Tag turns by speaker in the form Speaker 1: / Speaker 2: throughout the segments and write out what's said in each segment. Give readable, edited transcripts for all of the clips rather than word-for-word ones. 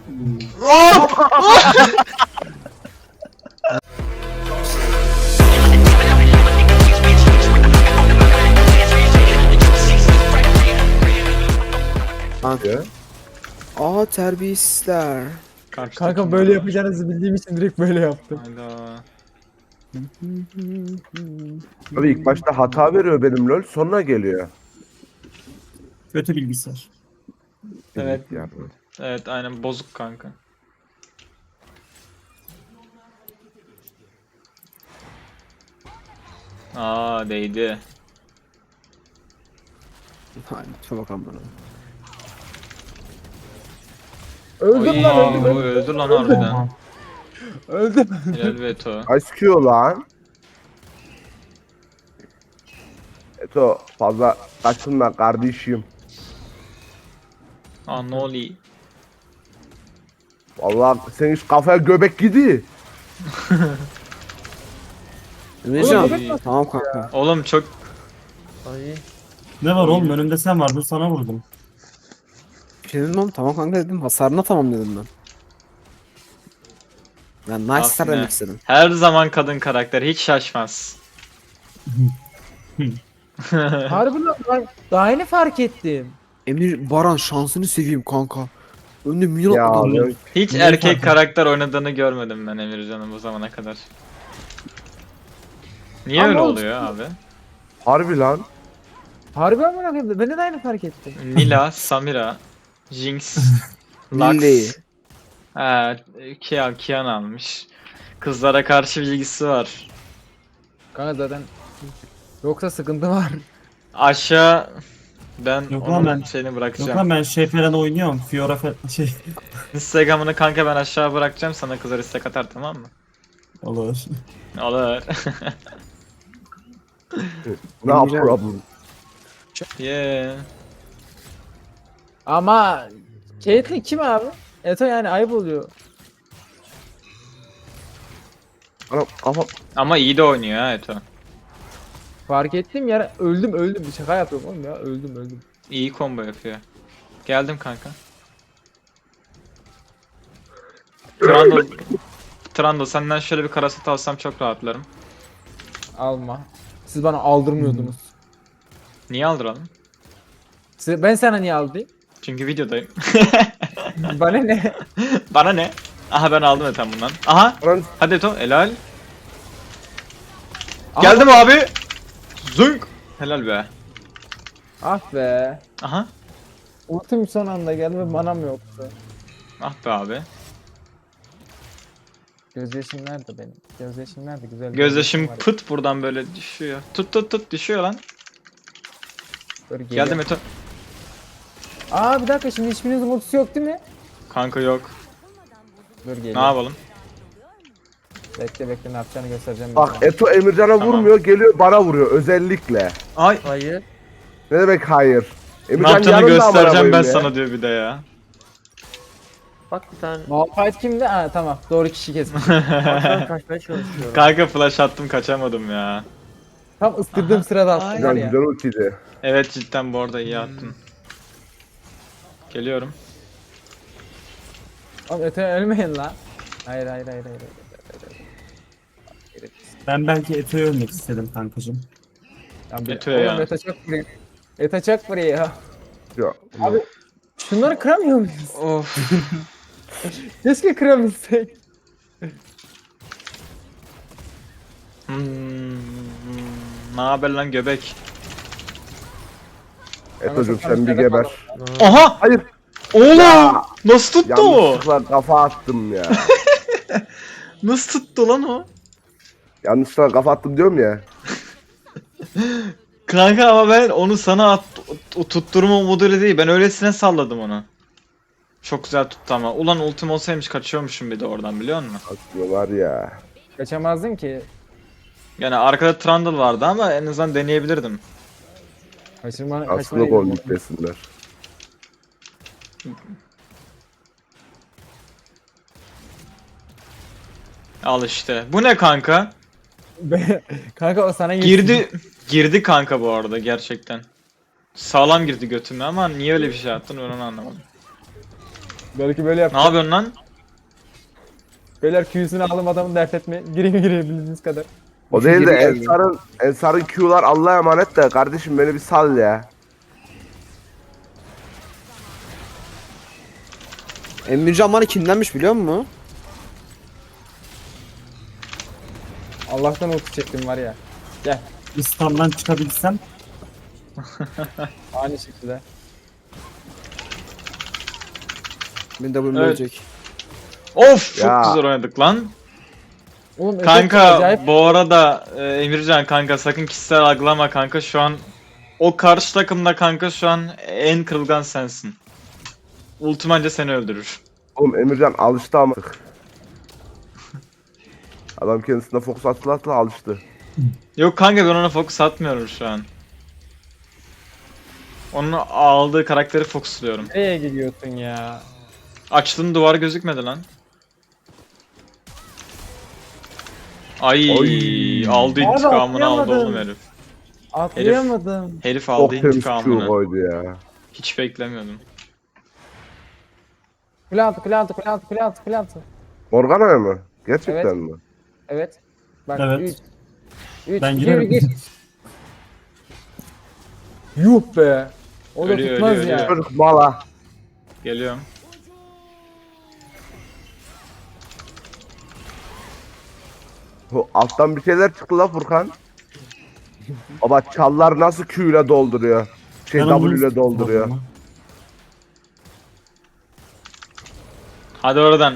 Speaker 1: Kanka. Aa terbiyesizler.
Speaker 2: Kanka böyle yapacağınızı bildiğim için direkt böyle yaptım.
Speaker 3: Hayda.
Speaker 4: Abi ilk başta hata veriyor benim lol, sonra geliyor.
Speaker 5: Kötü bilgisayar.
Speaker 3: Evet.
Speaker 4: Yani.
Speaker 3: Evet aynen bozuk kanka. Aa değdi.
Speaker 1: Hayır, lütfen bakalım bana.
Speaker 2: Öldüm
Speaker 3: Oy,
Speaker 2: lan öldüm.
Speaker 3: bu öldü lan harbiden.
Speaker 2: Öldüm.
Speaker 3: Helal Veto.
Speaker 4: Ice Q lan. Eto fazla kaçınma kardeşim.
Speaker 3: Aa ne oluyor?
Speaker 4: Vallahi sen hiç kafaya göbek gidi.
Speaker 1: Emrecan.
Speaker 2: Oğlum,
Speaker 1: Tamam kanka.
Speaker 3: Oğlum çok
Speaker 5: Ne var oğlum, önümde sen vardın, sana vurdum.
Speaker 1: Bir şey dedim oğlum, tamam kanka dedim. Hasarına tamam dedim ben. Ben nice star
Speaker 3: Aferin.
Speaker 1: demek istedim.
Speaker 3: her zaman kadın karakter hiç şaşmaz.
Speaker 2: Harbi lan daha yeni fark ettim.
Speaker 1: Emir Baran şansını seveyim kanka. Önde milyon
Speaker 4: Ya
Speaker 1: adam.
Speaker 4: lol.
Speaker 3: Hiç
Speaker 5: Niye
Speaker 3: erkek
Speaker 5: fark
Speaker 3: karakter oynadığını görmedim ben Emircan'ın bu zamana kadar. Niye
Speaker 2: Ama
Speaker 3: öyle
Speaker 2: olsun.
Speaker 3: oluyor abi?
Speaker 4: Harbi lan.
Speaker 2: Harbi amına koyayım. Ben de aynı fark ettim.
Speaker 3: Nila, Samira, Jinx, Lux.
Speaker 1: Milli.
Speaker 3: Ha, Kian almış. Kızlara karşı bilgisi var.
Speaker 2: Kanka zaten yoksa sıkıntı var.
Speaker 3: Aşağı ben
Speaker 5: Yok lan
Speaker 3: onun
Speaker 5: ben-
Speaker 3: şeyini
Speaker 5: Yok
Speaker 3: bırakacağım.
Speaker 5: lan ben şey falan oynuyorum. Fiora falan şey.
Speaker 3: Instagram'ını kanka ben aşağı bırakacağım, sana kızlar istek atar, tamam mı?
Speaker 5: Olur.
Speaker 3: Olur.
Speaker 4: No
Speaker 1: Emrecan.
Speaker 4: problem.
Speaker 3: Yeah.
Speaker 2: Ama Caitlyn kim abi? Eto yani ayıp oluyor.
Speaker 4: Ana kafa.
Speaker 3: Ama iyi de oynuyor ha Eto.
Speaker 2: Fark ettim ya öldüm. Şaka yapıyorum oğlum ya öldüm.
Speaker 3: İyi combo yapıyor. Geldim kanka. Trundle senden şöyle bir karaset alsam çok rahatlarım.
Speaker 2: Alma. Siz bana aldırmıyordunuz.
Speaker 3: Niye aldıralım?
Speaker 2: Ben sana niye aldırayım?
Speaker 3: Çünkü videodayım.
Speaker 2: Bana ne?
Speaker 3: Bana ne? Aha ben aldım zaten bundan. Aha.
Speaker 4: Lan
Speaker 3: Hadi Eto helal.
Speaker 2: Aha.
Speaker 3: Geldim abi. Zünk. Helal be.
Speaker 2: Ah be.
Speaker 3: Aha.
Speaker 2: Ultim son anda geldi ve manam yoktu.
Speaker 3: Ah be abi.
Speaker 2: Gözyaşım nerede benim? Gözyaşım nerede? Güzel.
Speaker 3: Gözyaşım
Speaker 2: var.
Speaker 3: pıt buradan böyle düşüyor. Tut düşüyor lan.
Speaker 2: Dur, geliyor.
Speaker 3: Geldim Eto.
Speaker 2: Aa bir dakika şimdi hiçbirinizin ultisi yok değil mi?
Speaker 3: Kanka yok.
Speaker 2: Dur geliyor.
Speaker 3: Ne yapalım?
Speaker 2: Bekle ne yapacağını göstereceğim.
Speaker 4: bak
Speaker 2: ben
Speaker 4: Eto Emircan'a
Speaker 3: Tamam.
Speaker 4: vurmuyor, geliyor bana vuruyor özellikle.
Speaker 3: Ay.
Speaker 2: Hayır.
Speaker 4: Ne demek hayır?
Speaker 3: Ne
Speaker 4: Emircan
Speaker 3: yaptığını
Speaker 4: yanında amına
Speaker 3: göstereceğim ben
Speaker 4: koyayım ya.
Speaker 3: sana diyor bir de ya.
Speaker 6: Bak bir tane
Speaker 2: Malphite kimdi? Ha tamam doğru kişi kesmiş.
Speaker 6: baştan kaçmaya çalışıyorum.
Speaker 3: Kanka flash attım kaçamadım ya.
Speaker 2: Tam ıstırdığım sırada attım var
Speaker 4: Güzel
Speaker 2: ya.
Speaker 4: güzel ultiydi.
Speaker 3: Evet cidden bu arada iyi attın. Geliyorum.
Speaker 2: Oğlum öte ölmeyin lan. Hayır.
Speaker 5: Ben belki Eto'yu ölmek istedim kankacım.
Speaker 3: Eto'ya ya.
Speaker 2: Eta çok free. Eta çok free ya.
Speaker 4: Yok.
Speaker 2: Abi şunları kıramıyor muyuz?
Speaker 3: Of.
Speaker 2: Keşke kırabilsek.
Speaker 3: Ne haber lan göbek?
Speaker 4: Eto'cum sen bir geber.
Speaker 3: Aha!
Speaker 4: Hayır.
Speaker 3: Oğlum!
Speaker 4: Ya!
Speaker 3: Nasıl tuttu o?
Speaker 4: Yanlışlıkla kafa attım ya.
Speaker 3: Nasıl tuttu lan o?
Speaker 4: Yanlışlıkla kafa attım diyorum ya.
Speaker 3: Kanka ama ben onu sana o tutturma modeli değil. Ben öylesine salladım onu. Çok güzel tuttu ama. Ulan ultim olsaymış kaçıyormuşum bir de oradan, biliyor musun?
Speaker 4: Aslında var ya.
Speaker 2: Kaçamazdın ki.
Speaker 3: Yani arkada Trundle vardı ama en azından deneyebilirdim.
Speaker 4: Aslında gol yüklesinler.
Speaker 3: Al işte. Bu ne kanka?
Speaker 2: Kanka o sana
Speaker 3: Girdi kanka bu arada gerçekten. Sağlam girdi götüme ama niye öyle bir şey yaptın ben onu anlamadım.
Speaker 2: Belki böyle
Speaker 3: Ne
Speaker 2: yapacağım.
Speaker 3: yapıyorsun lan?
Speaker 2: Beyler Q'sunu aldım adamın dert etme. Girebildiğiniz kadar.
Speaker 4: O değil de
Speaker 1: Üçüncü geldi.
Speaker 4: Ensar'ın Q'lar Allah'a emanet de kardeşim beni bir sal ya.
Speaker 1: Emircan bana kinlenmiş biliyor musun?
Speaker 2: Allah'tan ulti çektim var ya. Gel.
Speaker 5: İstanbul'dan çıkabilsem
Speaker 2: Aynı şekilde.
Speaker 1: Beni de bunu
Speaker 3: Evet.
Speaker 1: ölecek.
Speaker 3: Of çok
Speaker 4: Ya.
Speaker 3: güzel oynadık lan.
Speaker 2: Oğlum efekt
Speaker 3: Kanka
Speaker 2: acayip.
Speaker 3: bu arada Emircan kanka sakın kişisel algılama kanka şu an o karşı takımda kanka şu an en kırılgan sensin. Ultim anca seni öldürür.
Speaker 4: Oğlum Emircan alıştı ama. Adam kendisine fokus atla alıştı.
Speaker 3: Yok kanka ben ona fokus atmıyorum şu an. Onun aldığı karakteri fokusluyorum.
Speaker 2: Nereye gidiyorsun ya?
Speaker 3: Açtığın duvar gözükmedi lan. Ay
Speaker 4: Oy.
Speaker 3: aldı
Speaker 2: Abi,
Speaker 3: intikamını aldı
Speaker 2: atlayamadım.
Speaker 3: oğlum herif.
Speaker 2: Atlayamadım.
Speaker 3: Herif
Speaker 4: Çok
Speaker 3: aldı
Speaker 4: temiz Q
Speaker 3: intikamını.
Speaker 4: koydu ya.
Speaker 3: Hiç beklemiyordum.
Speaker 2: Kule altı, kule altı, kule altı, kule altı, kule altı.
Speaker 4: Morgana mı? Gerçekten
Speaker 2: Evet.
Speaker 4: mi?
Speaker 2: Evet. Bak
Speaker 5: Evet.
Speaker 2: 3
Speaker 5: ben
Speaker 2: 2
Speaker 5: girerim.
Speaker 2: 1 geç. Yuh be. O da
Speaker 3: Ölüyor,
Speaker 2: tutmaz
Speaker 3: ölüyor,
Speaker 2: ya.
Speaker 4: Çocuk mala.
Speaker 3: Geliyorum.
Speaker 4: Alttan bir şeyler çıktı la Furkan. Baba çallar nasıl Q ile dolduruyor. Şey
Speaker 5: Ben
Speaker 4: W
Speaker 5: onu
Speaker 4: ile dolduruyor.
Speaker 3: Hadi oradan.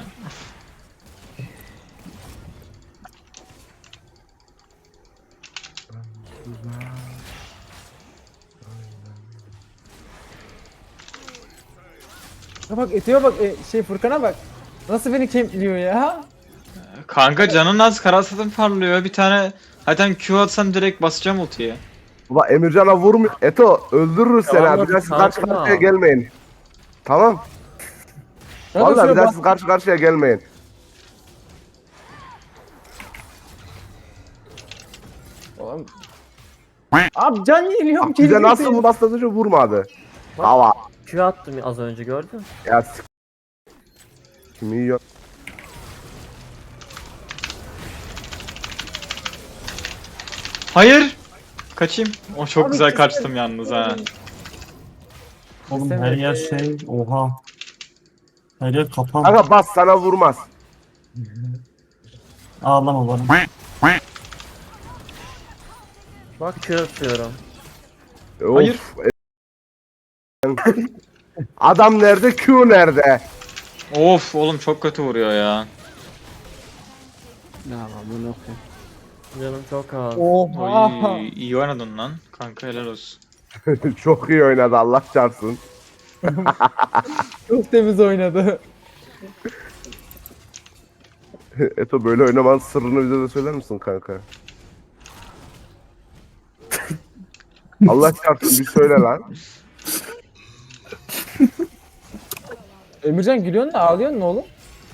Speaker 2: Ya bak Ete'ye bak şey Furkan'a bak. Nasıl beni kempliyor ya?
Speaker 3: Kanka canın az karasatın parlıyor. Bir tane zaten Q atsam direkt basacağım ultiye.
Speaker 4: Baba Emircan'a vurmuyor. Eto öldürürüz seni
Speaker 6: Tamam,
Speaker 4: abi. Bir daha siz
Speaker 6: tamam,
Speaker 4: karşı
Speaker 6: tamam.
Speaker 4: karşıya gelmeyin. Tamam.
Speaker 2: Ya da
Speaker 4: Vallahi
Speaker 2: şöyle
Speaker 4: bir daha
Speaker 2: bak-
Speaker 4: siz karşı karşıya gelmeyin.
Speaker 2: Oğlum. Abi can yeniliyorum
Speaker 4: Bak bize nasıl bu bastırıcı vurmadı. Hava.
Speaker 6: Q attım az önce gördün.
Speaker 4: Ya kimi yiyor?
Speaker 3: Hayır. Kaçayım. O çok
Speaker 2: Abi
Speaker 3: güzel
Speaker 2: kesin-
Speaker 3: kaçtım yalnız ha.
Speaker 5: Oğlum her yer şey. Oha. Her yer kapan.
Speaker 4: Kanka bas sana vurmaz.
Speaker 5: Ağlama bana.
Speaker 6: Bak Q atıyorum.
Speaker 3: Hayır.
Speaker 4: Adam nerede? Q nerede?
Speaker 3: Of oğlum çok kötü vuruyor ya.
Speaker 1: Ne yapalım bunu okuyayım.
Speaker 6: Canım çok az.
Speaker 2: Oha.
Speaker 3: Oy, iyi oynadın lan. Kanka helal olsun.
Speaker 4: Çok iyi oynadı Allah çarpsın.
Speaker 2: Çok temiz oynadı.
Speaker 4: Eto böyle oynamanın sırrını bize de söyler misin kanka? Allah çarpsın bir söyle lan.
Speaker 2: Emircan gülüyorsun da ağlıyorsun oğlum.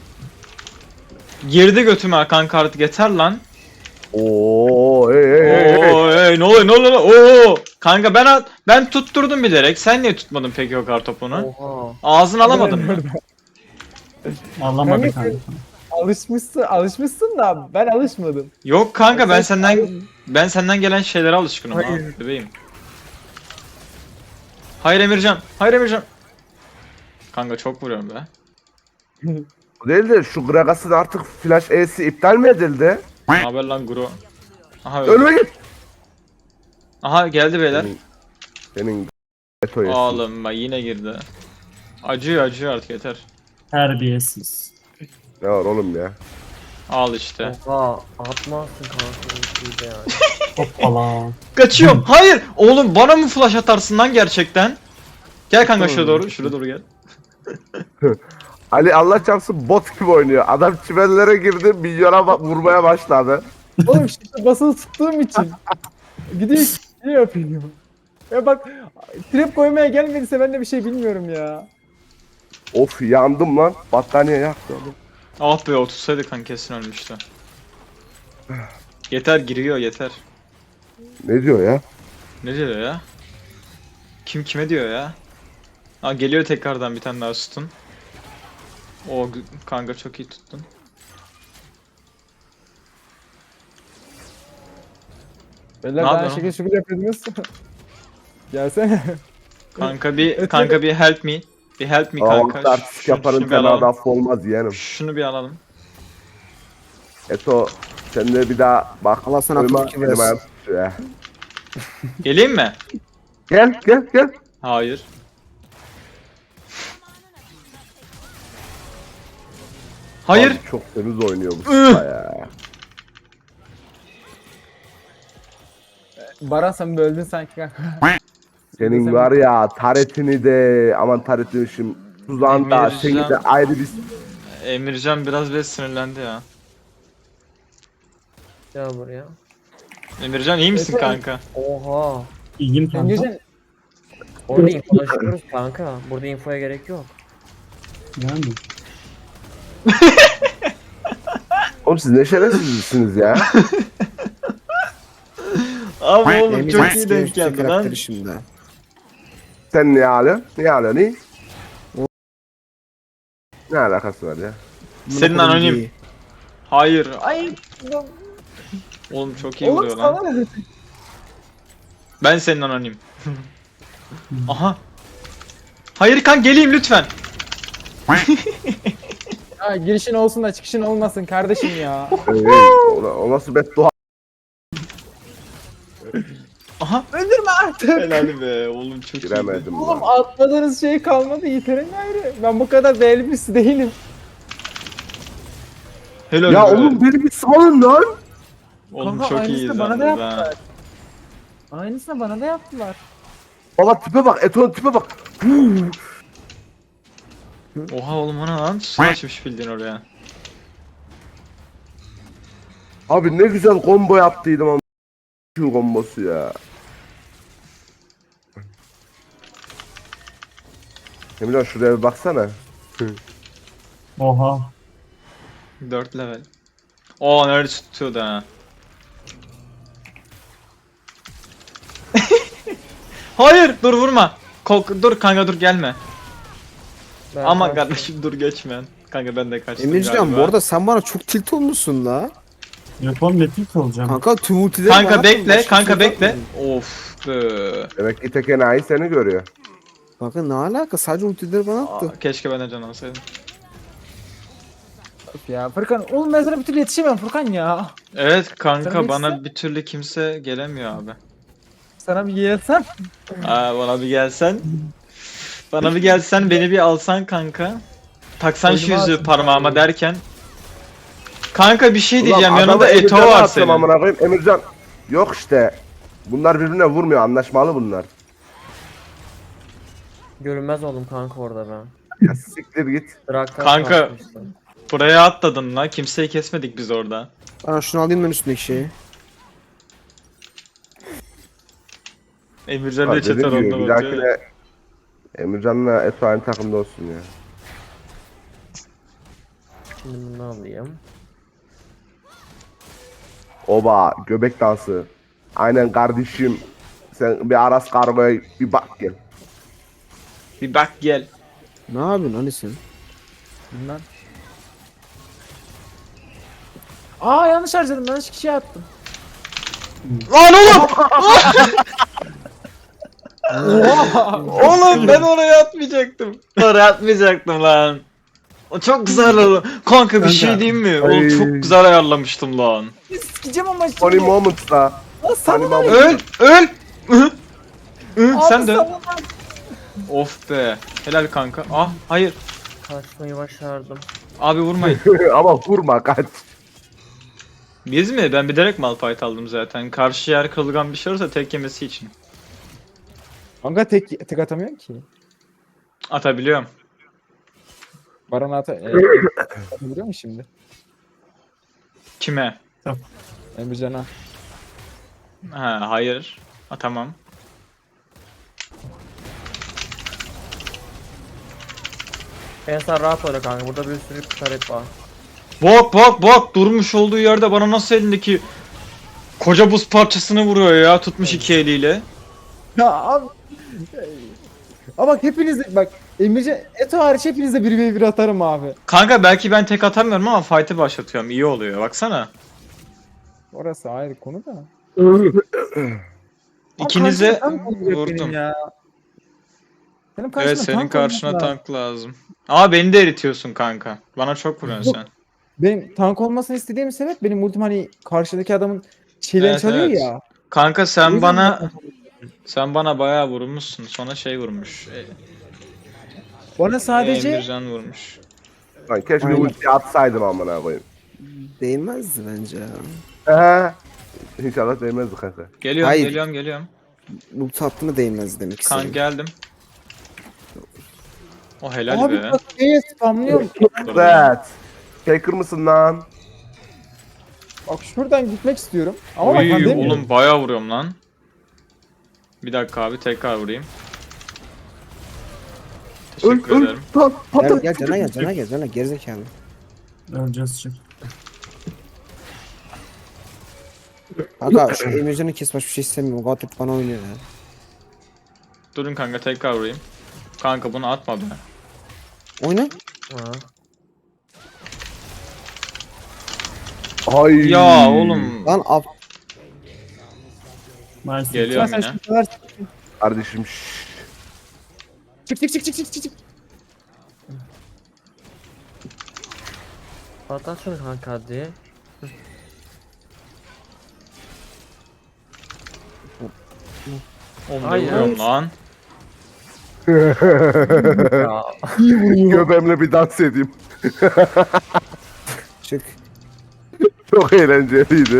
Speaker 3: Girdi götüme kanka artık yeter lan.
Speaker 4: Oo, hey.
Speaker 3: Oo, ne oluyor ne oluyor? Oo, kanka ben tutturdum bilerek. Sen niye tutmadın peki o kartopunu?
Speaker 6: Oha.
Speaker 3: Ağzını alamadın mı?
Speaker 5: Ağlamadı
Speaker 2: Kanka,
Speaker 5: kanka.
Speaker 2: Alışmışsın da ben alışmadım.
Speaker 3: Yok kanka ben senden gelen şeylere alışkınım ha
Speaker 6: Hayır.
Speaker 3: bebeğim. Hayır Emircan. Hayır Emircan. Kanka çok vuruyorum be.
Speaker 4: O değil de şu Gragas'ın artık flash E'si iptal mi edildi?
Speaker 3: Ne haber lan Guru? Aha öyle.
Speaker 4: Ölme git.
Speaker 3: Aha geldi beyler.
Speaker 4: Senin Eto yesin.
Speaker 3: Oğlum bak yine girdi. Acıyor artık yeter.
Speaker 5: Terbiyesiz.
Speaker 4: Ne var oğlum ya?
Speaker 3: Al işte.
Speaker 6: Oha. Atmazsın kanka ultiyi de yani.
Speaker 5: Hoppala.
Speaker 3: Kaçıyorum. Hayır. Oğlum bana mı flash atarsın lan gerçekten? Gel kanka şuraya doğru. Şuraya doğru gel.
Speaker 4: Ali Allah çarpsın bot gibi oynuyor. Adam çimenlere girdi, milyona vurmaya başladı.
Speaker 2: Oğlum işte basılı tuttuğum için. Gidiyor yapıyor. Ya bak trap koymaya gelmediyse ben de bir şey bilmiyorum ya.
Speaker 4: Of yandım lan. Battaniye yaktı oğlum.
Speaker 3: Ah be otursaydı kan kesin ölmüştü. Yeter giriyor yeter.
Speaker 4: Ne diyor ya?
Speaker 3: Ne diyor ya? Kim kime diyor ya? Aa geliyor tekrardan bir tane daha sütun. Kanka çok iyi tuttun.
Speaker 2: Beyler
Speaker 3: Ne
Speaker 2: daha
Speaker 3: yapıyorsun?
Speaker 2: şekil şükür yapıyordunuz. Gelsene.
Speaker 3: Kanka bir help me. Bir help me
Speaker 4: Ama
Speaker 3: kanka.
Speaker 4: artistik yaparım
Speaker 3: bir
Speaker 4: sana
Speaker 3: alalım.
Speaker 4: da olmaz yeğenim.
Speaker 3: Şunu bir alalım.
Speaker 4: Eto sen de bir daha bak.
Speaker 1: Allah sana
Speaker 4: Uyuma,
Speaker 1: akıl fikir
Speaker 4: elim
Speaker 1: versin.
Speaker 4: ayağım titriyor ya.
Speaker 3: Geleyim mi?
Speaker 4: Gel.
Speaker 3: Hayır. Hayır.
Speaker 4: Abi çok temiz oynuyor bu sıra ya.
Speaker 2: Baran sen böldün sanki kanka.
Speaker 4: Senin var ya taretini de aman taretini şimdi tuzağın da
Speaker 3: Emircan.
Speaker 4: seni de ayrı bir
Speaker 3: Emircan biraz böyle sinirlendi ya.
Speaker 6: Gel buraya.
Speaker 3: Emircan iyi misin
Speaker 2: Efendim?
Speaker 3: kanka?
Speaker 6: Oha.
Speaker 5: İyiyim kanka.
Speaker 2: Emircan
Speaker 6: Orada infolaşıyoruz kanka. Burada infoya gerek yok.
Speaker 5: Yani.
Speaker 4: Oğlum siz ne şerefsizsiniz ya.
Speaker 3: Abi oğlum
Speaker 1: Emircan
Speaker 3: çok iyi denk geldi lan.
Speaker 1: karakteri şimdi.
Speaker 4: Sen niye alıyorsun? Niye alıyorsun? Niye? Ne alakası var ya?
Speaker 3: Senin
Speaker 1: Monopoly
Speaker 3: anonim.
Speaker 1: değil.
Speaker 3: Hayır.
Speaker 2: ay
Speaker 3: Oğlum çok iyi
Speaker 2: oğlum
Speaker 3: vuruyor lan.
Speaker 2: sana ne?
Speaker 3: Ben senin anonim. Aha. Hayır kan geleyim lütfen.
Speaker 2: Ya girişin olsun da çıkışın olmasın kardeşim ya.
Speaker 4: O nasıl beddua?
Speaker 3: Aha.
Speaker 2: Öldürme artık.
Speaker 3: Helal be oğlum çok iyi.
Speaker 4: Giremedim
Speaker 2: Oğlum
Speaker 4: lan.
Speaker 2: atmadığınız şey kalmadı yiterin ayrı. Ben bu kadar değerli birisi değilim.
Speaker 3: Helal
Speaker 4: Ya
Speaker 3: be.
Speaker 4: oğlum beni bir salın lan.
Speaker 3: Oğlum
Speaker 2: Kanka,
Speaker 3: çok
Speaker 2: aynısını
Speaker 3: iyiyiz
Speaker 2: bana da
Speaker 3: yalnız ha.
Speaker 2: yaptılar. Aynısını bana da yaptılar.
Speaker 4: Baba tipe bak, Eto'nun tipe bak.
Speaker 3: Oha oğlum ana lan su açmış bildiğin oraya.
Speaker 4: Abi ne güzel combo yaptıydım ama şu kombosu ya. Emirhan şuraya bir baksana.
Speaker 5: Oha.
Speaker 3: 4 level. Oo nerede tutuyordu ha. Hayır dur vurma. Dur kanka dur gelme.
Speaker 6: Ben
Speaker 3: Aman
Speaker 6: kaçtım.
Speaker 3: kardeşim dur geçme. Kanka ben de kaçtım
Speaker 1: Emircan
Speaker 3: galiba.
Speaker 1: bu arada sen bana çok tilt olmuşsun la.
Speaker 5: Yapalım metin kalacağım.
Speaker 1: Kanka tüm ultileri
Speaker 3: Kanka
Speaker 1: bana
Speaker 3: bekle,
Speaker 1: attın, başka
Speaker 3: kanka
Speaker 1: bir şey
Speaker 3: bekle.
Speaker 1: yapmadın.
Speaker 3: Of be.
Speaker 4: Demek ki tek enayi seni görüyor.
Speaker 1: Kanka ne alaka, sadece ultileri bana attı.
Speaker 3: Aa, keşke ben de can alsaydım.
Speaker 2: Ya Furkan oğlum ben sana bir türlü yetişemem Furkan ya.
Speaker 3: Evet kanka
Speaker 2: Sana
Speaker 3: bana
Speaker 2: geçse-
Speaker 3: bir türlü kimse gelemiyor abi.
Speaker 2: Sana bir gelsem.
Speaker 3: Bana bir gelsen. Bana bir gelsen beni bir alsan kanka. Taksan şu
Speaker 2: Boynuma
Speaker 3: yüzüğü
Speaker 2: atın
Speaker 3: parmağıma
Speaker 2: abi.
Speaker 3: derken. Kanka bir şey diyeceğim
Speaker 4: Ulan
Speaker 3: yanında
Speaker 4: adamı
Speaker 3: Eto
Speaker 4: Emircan'a
Speaker 3: var
Speaker 4: attım
Speaker 3: senin.
Speaker 4: amına koyayım. Emircan yok işte. Bunlar birbirine vurmuyor, anlaşmalı bunlar.
Speaker 6: Görünmez oldum kanka orada ben.
Speaker 4: Ya siktir git.
Speaker 6: Draktar
Speaker 3: Kanka.
Speaker 6: kalkmıştım.
Speaker 3: Buraya atladın lan kimseyi kesmedik biz orada.
Speaker 1: Bana şunu alayım ben üstündeki şeyi.
Speaker 3: Emircan
Speaker 4: Ha,
Speaker 3: da çeter
Speaker 4: dediğim gibi
Speaker 3: onda
Speaker 4: bir
Speaker 3: bakıyor. ya.
Speaker 4: dahakine Emircan'la Eto aynı takımda olsun ya.
Speaker 6: Şimdi bunu alayım.
Speaker 4: Oba göbek dansı. Aynen kardeşim. Sen bir Aras Kargo'ya bir bak gel.
Speaker 3: Bir bak gel.
Speaker 1: Ne yapıyorsun hani sen?
Speaker 2: Bilmem. Aa yanlış harcadım, yanlış kişiye attım.
Speaker 3: Lan oğlum! Oğlum ben oraya atmayacaktım. Oraya atmayacaktım lan. O çok güzel oldu. Kanka bir şey diyeyim mi? Oğlum
Speaker 4: Ay.
Speaker 3: çok güzel ayarlamıştım lan.
Speaker 2: Sikeceğim ama şimdi.
Speaker 4: Funny moments'la.
Speaker 2: Aa,
Speaker 4: Funny
Speaker 2: sana
Speaker 4: moment.
Speaker 3: Öl! Öl! Hı? Hı,
Speaker 2: Abi
Speaker 3: sen de.
Speaker 2: sana-
Speaker 3: Of be. Helal kanka. Ah hayır.
Speaker 6: Kaçmayı başardım.
Speaker 3: Abi vurmayın.
Speaker 4: Ama vurma kaç.
Speaker 3: Biz mi? Ben bilerek Malphite aldım zaten. Karşı yer kırılgan bir şey olursa tek yemesi için.
Speaker 2: Kanka tek atamıyorum ki.
Speaker 3: Atabiliyorum.
Speaker 2: Baran atabiliyor mu şimdi?
Speaker 3: Kime?
Speaker 2: Emrecan'a.
Speaker 3: Ha hayır. Tamam.
Speaker 6: Ben sen rahat oyna kanka. Burada bir sürü taret var.
Speaker 3: Bak durmuş olduğu yerde bana nasıl elindeki koca buz parçasını vuruyor ya tutmuş iki eliyle.
Speaker 2: Ya abi. Ama bak hepiniz bak Emircan Eto hariç hepinize 1v1 atarım abi.
Speaker 3: Kanka belki ben tek atamıyorum ama fight'ı başlatıyorum. İyi oluyor. Baksana.
Speaker 2: Orası ayrı konu da.
Speaker 3: İkinize
Speaker 2: Ama karşıma tank olacak
Speaker 3: vurdum.
Speaker 2: benim ya. Benim karşıma
Speaker 3: Evet senin
Speaker 2: tank
Speaker 3: karşına
Speaker 2: olması lazım.
Speaker 3: tank lazım. Ama beni de eritiyorsun kanka. Bana çok vuruyorsun sen.
Speaker 2: Benim tank olmasını istediğim sebep benim ultim hani karşıdaki adamın şeylerini
Speaker 3: Evet,
Speaker 2: çalıyor
Speaker 3: evet.
Speaker 2: ya.
Speaker 3: Kanka
Speaker 2: O
Speaker 3: sen
Speaker 2: yüzden
Speaker 3: bana bayağı vurmuşsun. Sonra şey vurmuş.
Speaker 2: Bana sadece
Speaker 3: Emircan vurmuş.
Speaker 4: Lan keşke
Speaker 1: Aynen.
Speaker 4: ulti atsaydım amına koyayım.
Speaker 1: Değmezdi bence ya.
Speaker 4: He. İnşallah değmezdi kanka.
Speaker 3: Geliyorum,
Speaker 1: Hayır.
Speaker 3: geliyorum.
Speaker 1: Ulti attı mı değmez demek
Speaker 3: Kan
Speaker 1: istedim.
Speaker 3: geldim. O helal
Speaker 2: abi
Speaker 3: be.
Speaker 2: bak neye spamlıyorum.
Speaker 4: Evet. Faker mısın lan?
Speaker 2: Bak şuradan gitmek istiyorum. Ama bak
Speaker 3: Oy
Speaker 2: ben demiyorum.
Speaker 3: oğlum bayağı vuruyorum lan. Bir dakika abi tekrar vurayım. Teşekkür ederim.
Speaker 4: Lan
Speaker 1: Gel
Speaker 4: patlat.
Speaker 1: gel cana gel gerizekalı.
Speaker 5: Öleceğiz çık.
Speaker 1: Kanka şu Emircan'ı kes başka bir şey istemiyorum. Gatip bana oynuyor ya.
Speaker 3: Durun kanka tekrar vurayım. Kanka bunu atma be.
Speaker 1: Oyna.
Speaker 6: Ha.
Speaker 4: Ay.
Speaker 3: Ya oğlum.
Speaker 1: Lan ab.
Speaker 5: Nice.
Speaker 3: Geliyorum
Speaker 2: Sen
Speaker 3: yine.
Speaker 2: şu kadar
Speaker 4: Kardeşim
Speaker 2: çık.
Speaker 6: Patlat şunu kanka hadi.
Speaker 3: Oğlum ne
Speaker 6: Hayır.
Speaker 3: vuruyorum lan.
Speaker 6: Ya.
Speaker 4: göbeğimle bir dans edeyim.
Speaker 1: Çık.
Speaker 4: Çok eğlenceliydi.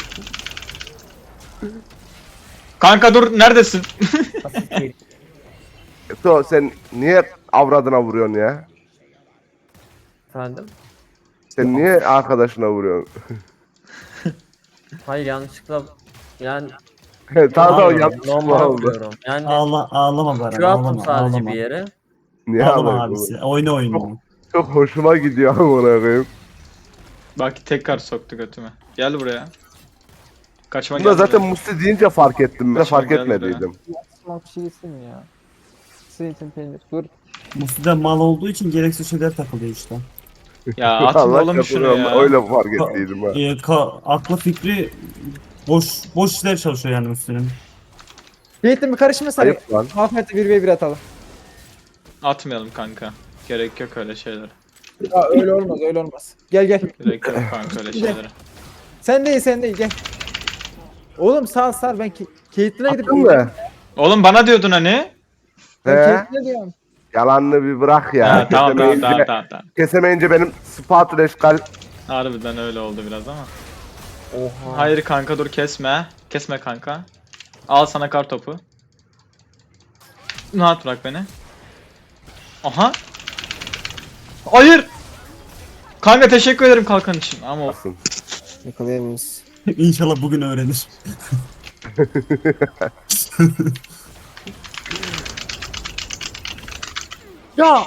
Speaker 3: Kanka dur neredesin?
Speaker 6: Basit değil.
Speaker 4: So sen niye avradına vuruyorsun ya?
Speaker 6: Efendim?
Speaker 4: Sen niye arkadaşına vuruyorsun?
Speaker 6: Hayır yanlışlıkla yani
Speaker 4: Tamam
Speaker 5: Ağlıyorum,
Speaker 4: yanlış
Speaker 6: normal
Speaker 4: oldu.
Speaker 6: vuruyorum. Yani
Speaker 5: Ağlama Baran.
Speaker 6: Q attım
Speaker 5: Ağlama.
Speaker 6: sadece
Speaker 5: Ağlama.
Speaker 6: bir yere.
Speaker 4: Niye
Speaker 5: Ağlama
Speaker 4: ağlıyorsun?
Speaker 5: abisi. Oyna oyunu.
Speaker 4: Çok hoşuma gidiyor amına koyayım.
Speaker 3: Bak tekrar soktu götüme. Gel buraya. Kaçma
Speaker 4: Bunda
Speaker 3: gel
Speaker 4: zaten
Speaker 3: buraya.
Speaker 4: Musti deyince fark ettim. Ben
Speaker 3: Kaçma
Speaker 4: fark
Speaker 3: geldi
Speaker 4: etmediydim.
Speaker 2: bir şey yesin mi ya? Zeytin peynir. Dur.
Speaker 5: Musti de mal olduğu için gereksiz şeyler takılıyor işte.
Speaker 3: Ya atın
Speaker 4: Allah
Speaker 3: oğlum şunu
Speaker 4: çarpıyor,
Speaker 3: ya.
Speaker 4: öyle fark ettiydim ha.
Speaker 5: Aklı fikri boş işler çalışıyor yani Musti'nin.
Speaker 2: Zeytin bir karışma sen.
Speaker 4: Ayıp lan.
Speaker 2: Ahmet'le 1v1 atalım.
Speaker 3: Atmayalım kanka. Gerek yok öyle şeylere.
Speaker 2: Ya öyle olmaz. Gel.
Speaker 3: Gerek yok kanka öyle şeylere.
Speaker 2: Sen değil gel. Oğlum sağ ben Caitlyn'e gidip
Speaker 4: Attın mı?
Speaker 3: Oğlum bana diyordun hani.
Speaker 2: Ben
Speaker 4: He?
Speaker 2: Caitlyn'e diyorum.
Speaker 4: Yalanını bir bırak ya.
Speaker 3: Ha, tamam.
Speaker 4: Kesemeyince benim spatula eşkal.
Speaker 3: Harbiden öyle oldu biraz ama.
Speaker 6: Oha.
Speaker 3: Hayır kanka dur kesme. Kesme kanka. Al sana kar topu. Rahat bırak beni. Aha. Hayır. Kanka teşekkür ederim kalkan için ama
Speaker 1: Yakalayamayız.
Speaker 5: İnşallah bugün öğrenir.
Speaker 2: Ya!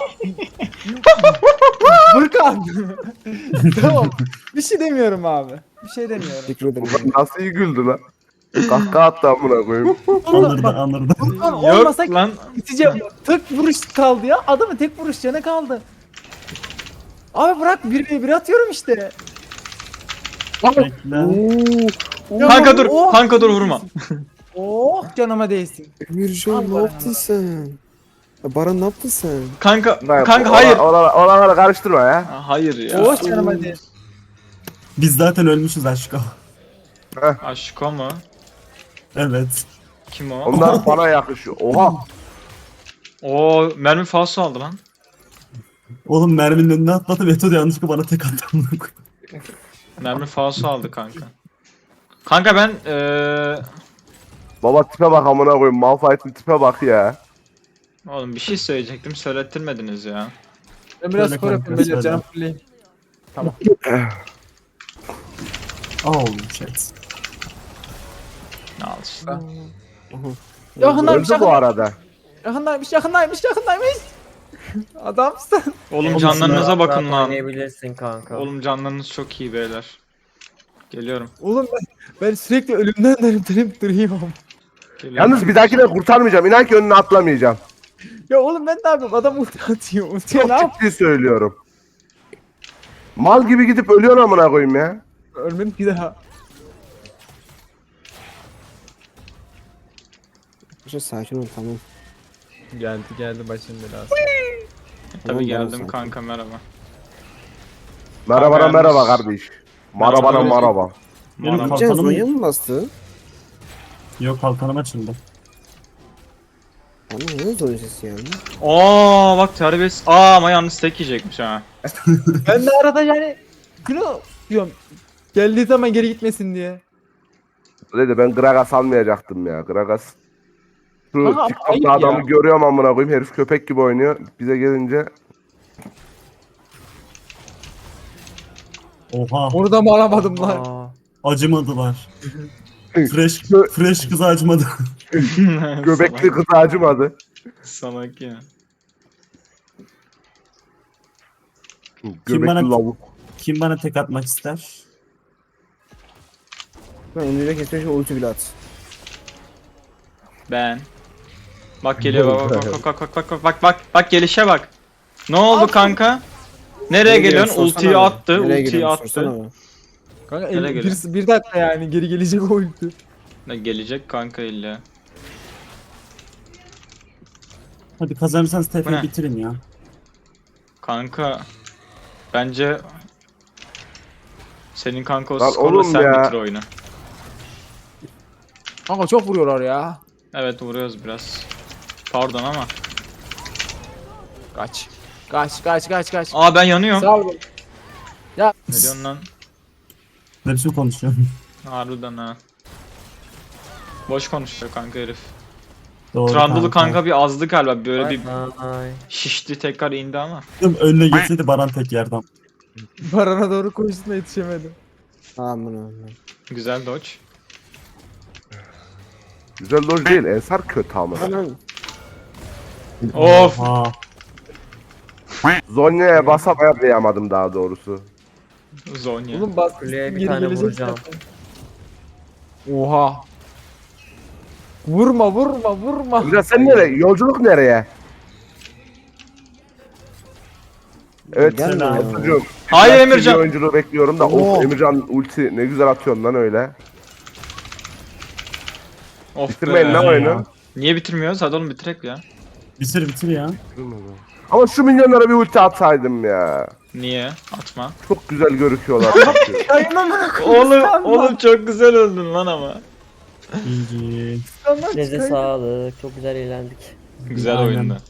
Speaker 2: Furkan! Tamam. Bir şey demiyorum abi. Bir şey demiyorum.
Speaker 1: Teşekkür ederim.
Speaker 4: Ulan nasıl iyi güldü lan. Kahkaha attı amına koyayım.
Speaker 5: Anırdı.
Speaker 2: Furkan
Speaker 3: yok
Speaker 2: olmasa
Speaker 3: lan.
Speaker 2: biteceğim. Tek vuruş kaldı ya. Adamın tek vuruş canı kaldı. Abi bırak 1v1 atıyorum işte.
Speaker 5: Bekle.
Speaker 2: Ya
Speaker 3: Kanka dur.
Speaker 2: oh!
Speaker 3: Kanka dur vurma.
Speaker 2: Oh canıma değsin.
Speaker 1: Emircan ne yaptın sen? Ya Baran ne yaptın sen?
Speaker 3: Kanka
Speaker 4: Lan,
Speaker 3: kanka hayır.
Speaker 4: Oraları karıştırma ya.
Speaker 3: Ha, hayır ya.
Speaker 2: Oh canıma değsin.
Speaker 5: Biz zaten ölmüşüz aşkım.
Speaker 3: Aşko mu?
Speaker 5: Evet.
Speaker 3: Kim o?
Speaker 4: Onlar bana yakışıyor. Oha.
Speaker 3: Oo mermi falso aldı lan.
Speaker 5: Oğlum merminin önüne atladı ve Eto da yanlışlıkla bana tek attı.
Speaker 3: Mermi falso aldı kanka. Kanka ben
Speaker 4: Baba tipe bak amına koyayım. Malphite'in tipe bak ya.
Speaker 3: oğlum bir şey söyleyecektim söylettirmediniz ya.
Speaker 2: Ben biraz
Speaker 5: Söyle
Speaker 2: skor
Speaker 5: kanka,
Speaker 2: yapayım beyler
Speaker 5: söyle.
Speaker 2: canım fulleyim.
Speaker 5: Oğlum shit.
Speaker 3: Ne al işte.
Speaker 2: Yakındaymış
Speaker 4: Öldü bu arada.
Speaker 2: yakındaymış. Adamsın.
Speaker 3: Oğlum
Speaker 5: Oğlum
Speaker 3: canlarınıza
Speaker 6: Rahat
Speaker 3: bakın lan.
Speaker 6: Oynayabilirsin kanka.
Speaker 3: Oğlum canlarınız çok iyi beyler. Geliyorum.
Speaker 2: Oğlum ben sürekli ölümden dönüp duruyorum.
Speaker 3: Geliyorum.
Speaker 4: Yalnız bir dahakine kurtarmayacağım. İnan ki önüne atlamayacağım.
Speaker 2: Ya oğlum ben ne yapayım? Adam ulti atıyor. Ultiye ne
Speaker 4: Çok
Speaker 2: yap?
Speaker 4: ciddi söylüyorum. Mal gibi gidip ölüyorsun amına koyayım ya.
Speaker 2: Ölmedim bir daha.
Speaker 1: Arkadaşlar sakin ol tamam.
Speaker 2: Geldi başın belası.
Speaker 3: Tabii
Speaker 1: Tamam,
Speaker 3: geldim
Speaker 1: tamam.
Speaker 3: kanka merhaba.
Speaker 4: Merhaba
Speaker 3: yalnız-
Speaker 4: merhaba kardeş. Merhaba
Speaker 3: Merhaba.
Speaker 4: merhaba.
Speaker 5: Benim
Speaker 3: Merhaba.
Speaker 1: Can
Speaker 5: kalkanım
Speaker 1: Zonya mı bastı?
Speaker 5: yok, kalkanım açıldı.
Speaker 1: Bana ne Zonya sesi yani?
Speaker 3: Aa bak terbiyesiz. Aa ama yalnız tek yiyecekmiş ha.
Speaker 2: Ben de arada yani Klo diyorum. Geldiği zaman geri gitmesin diye.
Speaker 4: Dedi ben Gragas almayacaktım ya. Gragas. Şu
Speaker 2: Ama ayıp
Speaker 4: TikTok'ta
Speaker 2: ya.
Speaker 4: adamı görüyorum amına koyayım. Herif köpek gibi oynuyor. Bize gelince
Speaker 5: Oha,
Speaker 2: Onu da mı alamadım lan?
Speaker 6: Aa,
Speaker 5: acımadılar. Fresh,
Speaker 4: Gö-
Speaker 5: fresh kız acımadı.
Speaker 4: göbekli kız acımadı.
Speaker 3: Salak ya.
Speaker 4: Göbekli
Speaker 5: bana-
Speaker 4: lavuk.
Speaker 5: Kim bana tek atmak ister?
Speaker 1: Ben önüyle kesmiş ulti bile at.
Speaker 3: Ben. Bak geliyor bak gelişe bak. Ne oldu kanka? Nereye geliyorsun?
Speaker 1: sorsana
Speaker 3: Ultiyi
Speaker 1: be.
Speaker 3: attı,
Speaker 1: Nereye
Speaker 3: ultiyi
Speaker 1: geliyorsun?
Speaker 3: attı.
Speaker 1: Sorsana be.
Speaker 2: Kanka
Speaker 3: Nereye geliyor?
Speaker 2: bir dakika yani geri gelecek o ulti.
Speaker 3: Ne gelecek kanka illa.
Speaker 5: Hadi kazanırsanız
Speaker 3: Bu ne?
Speaker 5: TF'yi bitirin ya.
Speaker 3: Kanka bence senin kanka o
Speaker 4: Lan
Speaker 3: skorla
Speaker 4: oğlum
Speaker 3: sen
Speaker 4: ya.
Speaker 3: bitir oyunu.
Speaker 2: Kanka çok vuruyorlar ya.
Speaker 3: Evet vuruyoruz biraz. Pardon ama.
Speaker 2: Kaç. Kaç.
Speaker 3: Aa ben yanıyorum.
Speaker 2: Sağ ol.
Speaker 3: Ne diyorsun lan?
Speaker 5: Ne biçim konuşuyorsun?
Speaker 3: Harbiden ha. Boş konuşuyor kanka herif.
Speaker 5: Doğru
Speaker 3: Trundle'ı kanka bir azdı galiba böyle bir
Speaker 6: ay.
Speaker 3: şişti tekrar indi ama.
Speaker 5: Önüne geçseydi Baran tek yerden.
Speaker 2: Barana doğru koştum da yetişemedim.
Speaker 1: Aman
Speaker 3: Güzel dodge.
Speaker 4: Güzel loj değil. Ensar kötü ama.
Speaker 1: aman.
Speaker 3: Of.
Speaker 5: Oha.
Speaker 4: Zonya'ya basıp ayarlayamadım daha doğrusu.
Speaker 3: Zonya.
Speaker 2: Oğlum bas.
Speaker 6: Kuleye bir
Speaker 2: geri
Speaker 6: tane
Speaker 2: gelecek
Speaker 6: vuracağım.
Speaker 2: zaten. Oha. Vurma.
Speaker 4: Güzel sen nereye? Yolculuk nereye? Evet.
Speaker 1: Gelmiyor ya.
Speaker 4: Çocuğum.
Speaker 3: Hayır
Speaker 4: Ben
Speaker 3: Emircan.
Speaker 4: TV oyunculuğu bekliyorum da.
Speaker 1: Oo.
Speaker 4: Of Emircan ulti ne güzel atıyorsun lan öyle.
Speaker 3: Of
Speaker 4: Bitirmeyin
Speaker 3: be.
Speaker 4: lan oyunu.
Speaker 3: Niye bitirmiyoruz? Hadi oğlum bitirek ya.
Speaker 5: Bitir ya.
Speaker 4: Ama şu milyonlara bir ulti atsaydım ya.
Speaker 3: Niye? Atma.
Speaker 4: Çok güzel görüküyorlar çünkü.
Speaker 3: Oğlum çok güzel öldün lan ama.
Speaker 5: GG.
Speaker 6: Size sağlık. Çok güzel eğlendik.
Speaker 3: Güzel
Speaker 5: Aynen.
Speaker 3: oyundu.